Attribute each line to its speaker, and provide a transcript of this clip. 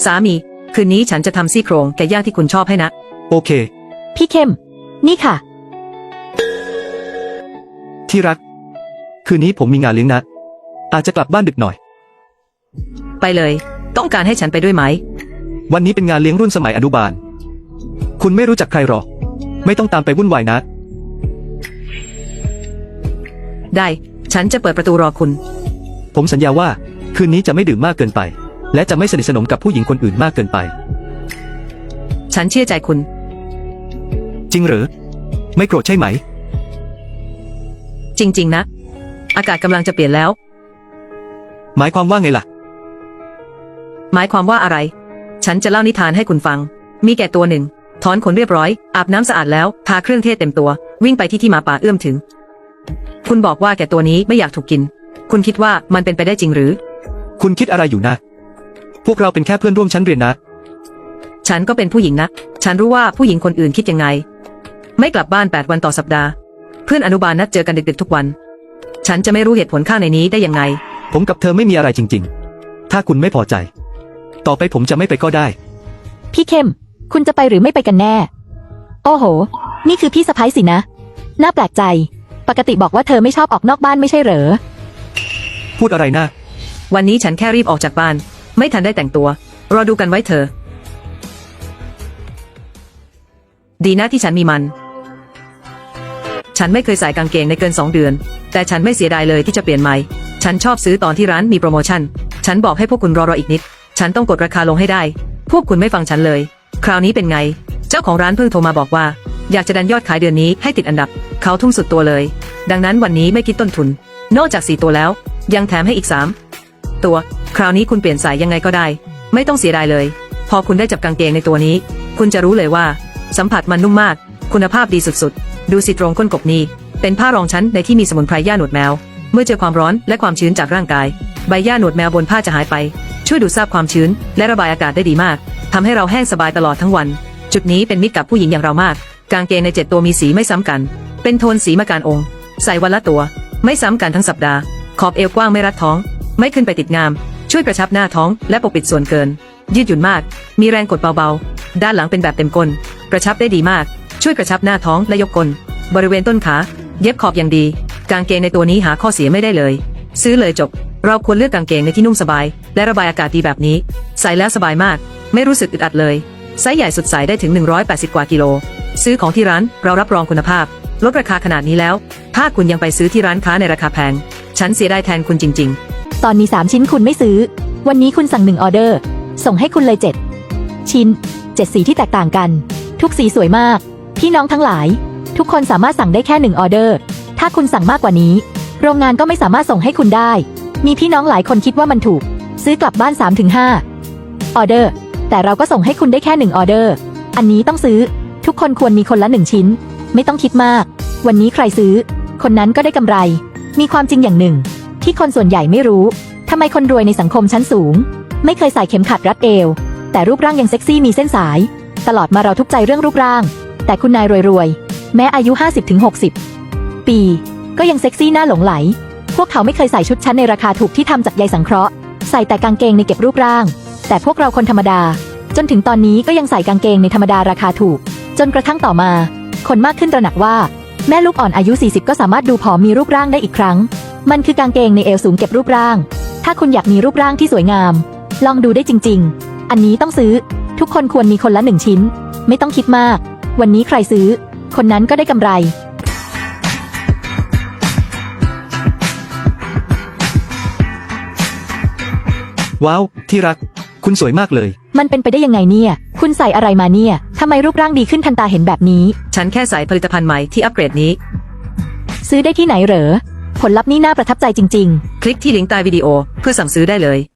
Speaker 1: สามีคืนนี้ฉันจะทำซี่โครงไก่ย่างที่คุณชอบให้นะ
Speaker 2: โอเค
Speaker 3: พี่เข้มนี่ค่ะ
Speaker 2: ที่รักคืนนี้ผมมีงานเลี้ยงนะอาจจะกลับบ้านดึกหน่อย
Speaker 1: ไปเลยต้องการให้ฉันไปด้วยไหม
Speaker 2: วันนี้เป็นงานเลี้ยงรุ่นสมัยอนุบาลคุณไม่รู้จักใครหรอกไม่ต้องตามไปวุ่นวายนะ
Speaker 1: ได้ฉันจะเปิดประตูรอคุณ
Speaker 2: ผมสัญญาว่าคืนนี้จะไม่ดื่มมากเกินไปและจะไม่สนิทสนมกับผู้หญิงคนอื่นมากเกินไป
Speaker 1: ฉันเชื่อใจคุณ
Speaker 2: จริงหรือไม่โกรธใช่ไหม
Speaker 1: จริงๆนะอากาศกำลังจะเปลี่ยนแล้ว
Speaker 2: หมายความว่าไงล่ะ
Speaker 1: หมายความว่าอะไรฉันจะเล่านิทานให้คุณฟังมีแกะตัวหนึ่งถอนขนเรียบร้อยอาบน้ำสะอาดแล้วทาเครื่องเทศเต็มตัววิ่งไปที่หมาป่าเอื้อมถึงคุณบอกว่าแกะตัวนี้ไม่อยากถูกกินคุณคิดว่ามันเป็นไปได้จริงหรือ
Speaker 2: คุณคิดอะไรอยู่นะพวกเราเป็นแค่เพื่อนร่วมชั้นเรียนนะ
Speaker 1: ฉันก็เป็นผู้หญิงนะฉันรู้ว่าผู้หญิงคนอื่นคิดยังไงไม่กลับบ้าน8 วันต่อสัปดาห์เพื่อนอนุบาลนัดเจอกันดึกๆทุกวันฉันจะไม่รู้เหตุผลข้างในนี้ได้ยังไง
Speaker 2: ผมกับเธอไม่มีอะไรจริงๆถ้าคุณไม่พอใจต่อไปผมจะไม่ไปก็ได้
Speaker 3: พี่เข้มคุณจะไปหรือไม่ไปกันแน่โอ้โหนี่คือพี่สะใภ้สินะน่าแปลกใจปกติบอกว่าเธอไม่ชอบออกนอกบ้านไม่ใช่เหรอ
Speaker 2: พูดอะไรนะ
Speaker 1: วันนี้ฉันแค่รีบออกจากบ้านไม่ทันได้แต่งตัวรอดูกันไว้เธอดีนะที่ฉันมีมันฉันไม่เคยใส่กางเกงในเกิน2 เดือนแต่ฉันไม่เสียดายเลยที่จะเปลี่ยนใหม่ฉันชอบซื้อตอนที่ร้านมีโปรโมชั่นฉันบอกให้พวกคุณรออีกนิดฉันต้องกดราคาลงให้ได้พวกคุณไม่ฟังฉันเลยคราวนี้เป็นไงเจ้าของร้านเพิ่งโทรมาบอกว่าอยากจะดันยอดขายเดือนนี้ให้ติดอันดับเขาทุ่มสุดตัวเลยดังนั้นวันนี้ไม่คิดต้นทุนนอกจาก4 ตัวแล้วยังแถมให้อีก3 ตัวคราวนี้คุณเปลี่ยนสายยังไงก็ได้ไม่ต้องเสียดายเลยพอคุณได้จับกางเกงในตัวนี้คุณจะรู้เลยว่าสัมผัสมันนุ่มมากคุณภาพดีสุดๆดูสิตรงก้นกบนี้เป็นผ้ารองชั้นในที่มีสมุนไพรหญ้าหนวดแมวเมื่อเจอความร้อนและความชื้นจากร่างกายใบหญ้าหนวดแมวบนผ้าจะหายไปช่วยดูดซาบความชื้นและระบายอากาศได้ดีมากทำให้เราแห้งสบายตลอดทั้งวันจุดนี้เป็นมิตรกับผู้หญิงอย่างเรามากกางเกงใน7 ตัวมีสีไม่ซ้ำกันเป็นโทนสีมะการองค์ใส่วันละตัวไม่ซ้ำกันทั้งสัปดาห์ขอบเอวกว้างไม่รัดท้องไม่ขึ้นไปติดงามช่วยกระชับหน้าท้องและปกปิดส่วนเกินยืดหยุ่นมากมีแรงกดเบาๆด้านหลังเป็นแบบเต็มก้นกระชับได้ดีมากช่วยกระชับหน้าท้องและยกก้นบริเวณต้นขาเย็บขอบอย่างดีกางเกงในตัวนี้หาข้อเสียไม่ได้เลยซื้อเลยจบเราควรเลือกกางเกงในที่นุ่มสบายและระบายอากาศดีแบบนี้ใส่แล้วสบายมากไม่รู้สึกอึดอัดเลยไซส์ใหญ่สุดใส่ได้ถึง180 กว่ากิโลซื้อของที่ร้านเรารับรองคุณภาพลดราคาขนาดนี้แล้วถ้าคุณยังไปซื้อที่ร้านค้าในราคาแพงฉันเสียดายแทนคุณจริง
Speaker 3: ๆตอนนี้3 ชิ้นคุณไม่ซื้อวันนี้คุณสั่ง1 ออเดอร์ส่งให้คุณเลย7 ชิ้น7 สีที่แตกต่างกันทุกสีสวยมากพี่น้องทั้งหลายทุกคนสามารถสั่งได้แค่1 ออเดอร์ถ้าคุณสั่งมากกว่านี้โรงงานก็ไม่สามารถส่งให้คุณได้มีพี่น้องหลายคนคิดว่ามันถูกซื้อกลับบ้าน 3-5 ออเดอร์แต่เราก็ส่งให้คุณได้แค่1 ออเดอร์อันนี้ต้องซื้อทุกคนควรมีคนละ1 ชิ้นไม่ต้องคิดมากวันนี้ใครซื้อคนนั้นก็ได้กำไรมีความจริงอย่างหนึ่งที่คนส่วนใหญ่ไม่รู้ทำไมคนรวยในสังคมชั้นสูงไม่เคยใส่เข็มขัดรัดเอวแต่รูปร่างยังเซ็กซี่มีเส้นสายตลอดมาเราทุกข์ใจเรื่องรูปร่างแต่คุณนายรวยๆแม้อายุ 50-60 ปีก็ยังเซ็กซี่น่าหลงไหลพวกเขาไม่เคยใส่ชุดชั้นในราคาถูกที่ทำจากใยสังเคราะห์ใส่แต่กางเกงในเก็บรูปร่างแต่พวกเราคนธรรมดาจนถึงตอนนี้ก็ยังใส่กางเกงในธรรมดาราคาถูกจนกระทั่งต่อมาคนมากขึ้นตระหนักว่าแม่ลูกอ่อนอายุ40ก็สามารถดูผอมมีรูปร่างได้อีกครั้งมันคือกางเกงในเอวสูงเก็บรูปร่างถ้าคุณอยากมีรูปร่างที่สวยงามลองดูได้จริงๆอันนี้ต้องซื้อทุกคนควรมีคนละ1 ชิ้นไม่ต้องคิดมากวันนี้ใครซื้อคนนั้นก็ได้กำไร
Speaker 2: ว้าวที่รักคุณสวยมากเลย
Speaker 3: มันเป็นไปได้ยังไงเนี่ยคุณใส่อะไรมาเนี่ยทำไมรูปร่างดีขึ้นทันตาเห็นแบบนี้
Speaker 1: ฉันแค่ใส่ผลิตภัณฑ์ใหม่ที่อัปเกรดนี้
Speaker 3: ซื้อได้ที่ไหนเหรอผลลัพธ์นี่น่าประทับใจจริงๆ
Speaker 1: คลิกที่ลิงก์ใต้วิดีโอเพื่อสั่งซื้อได้เลย